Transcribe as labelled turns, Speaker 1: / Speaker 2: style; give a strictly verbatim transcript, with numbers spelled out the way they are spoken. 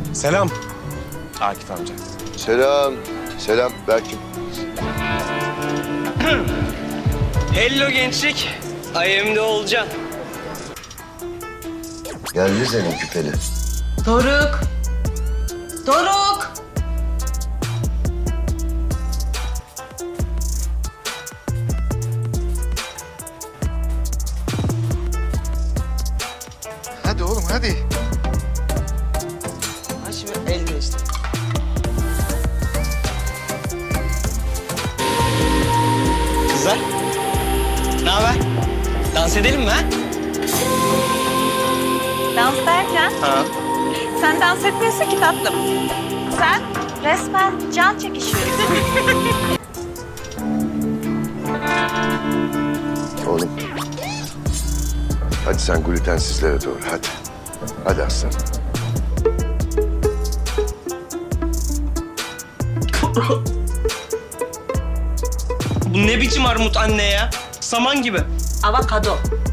Speaker 1: Selam. Akif amca.
Speaker 2: Selam. Selam Berk'im.
Speaker 3: Hello gençlik. I am de Olcan.
Speaker 2: Geldi senin küpeli.
Speaker 4: Doruk. Doruk.
Speaker 5: Hadi oğlum hadi.
Speaker 4: Ha şimdi el değişti.
Speaker 3: Kızlar. Ne haber? Dans edelim mi ha?
Speaker 6: Dans derken
Speaker 3: Ha.
Speaker 6: sen dans etmiyorsun ki tatlım. Sen resmen can çekişiyorsun.
Speaker 2: Oğlum. Hadi sen glutensizlere doğru hadi. Hadi aslan.
Speaker 3: Bu ne biçim armut anne ya? Saman gibi.
Speaker 4: Avokado.